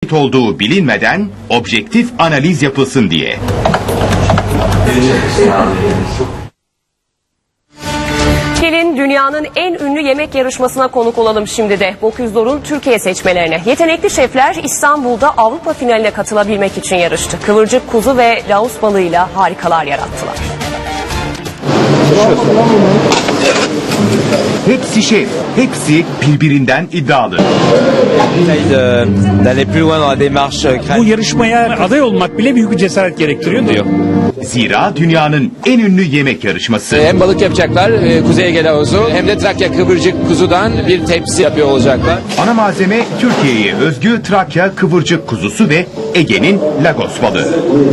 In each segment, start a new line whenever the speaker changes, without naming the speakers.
olduğu bilinmeden objektif analiz yapılsın diye.
Gelin dünyanın en ünlü yemek yarışmasına konuk olalım şimdi de. Bocuse Türkiye seçmelerine. Yetenekli şefler İstanbul'da Avrupa finaline katılabilmek için yarıştı. Kıvırcık kuzu ve laos balığıyla harikalar yarattılar.
Hepsi şef, hepsi birbirinden iddialı.
Bu yarışmaya aday olmak bile büyük bir cesaret gerektiriyor diyor.
Zira dünyanın en ünlü yemek yarışması.
Hem balık yapacaklar, Kuzey Ege laosu, hem de Trakya kıvırcık kuzudan bir tepsi yapıyor olacaklar.
Ana malzeme Türkiye'ye özgü Trakya kıvırcık kuzusu ve Ege'nin Lagos balığı.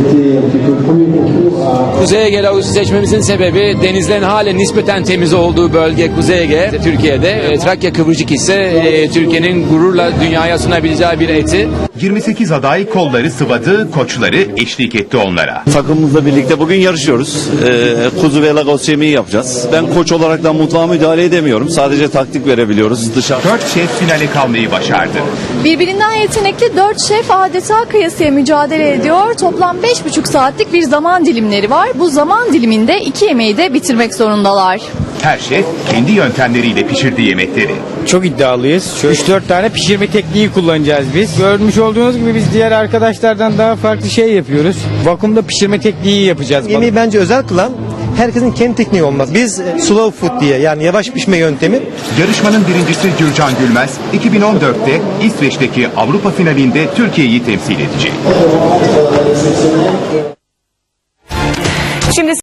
Kuzey Ege laosu seçmemizin sebebi denizlerin halen nispeten temiz olduğu bölge Kuzey Ege, Türkiye'de. Trakya kıvırcık ise Türkiye'nin gururla dünyaya sunabileceği bir eti.
28 aday kolları sıvadı, koçları eşlik etti onlara.
Takımımızla birlikte bugün yarışıyoruz. Kuzu ve lagos yemeği yapacağız. Ben koç olaraktan mutfağa müdahale edemiyorum. Sadece taktik verebiliyoruz.
4 şef finale kalmayı başardı.
Birbirinden yetenekli 4 şef adeta kıyasıya mücadele ediyor. Toplam 5,5 saatlik bir zaman dilimleri var. Bu zaman diliminde 2 yemeği de bitirmek zorundalar.
Her şef kendi yöntemleriyle pişirdi yemekleri.
Çok iddialıyız. 3-4 tane pişirme tekniği kullanacağız biz. Görmüş olduğunuz gibi biz diğer arkadaşlardan daha farklı şey yapıyoruz. Vakumda pişirme tekniği yapacağız.
Yemeği bence özel kılan herkesin kendi tekniği olmaz. Biz slow food diye, yani yavaş pişme yöntemi.
Yarışmanın birincisi Gürcan Gülmez, 2014'te İsveç'teki Avrupa finalinde Türkiye'yi temsil edecek.
Şimdi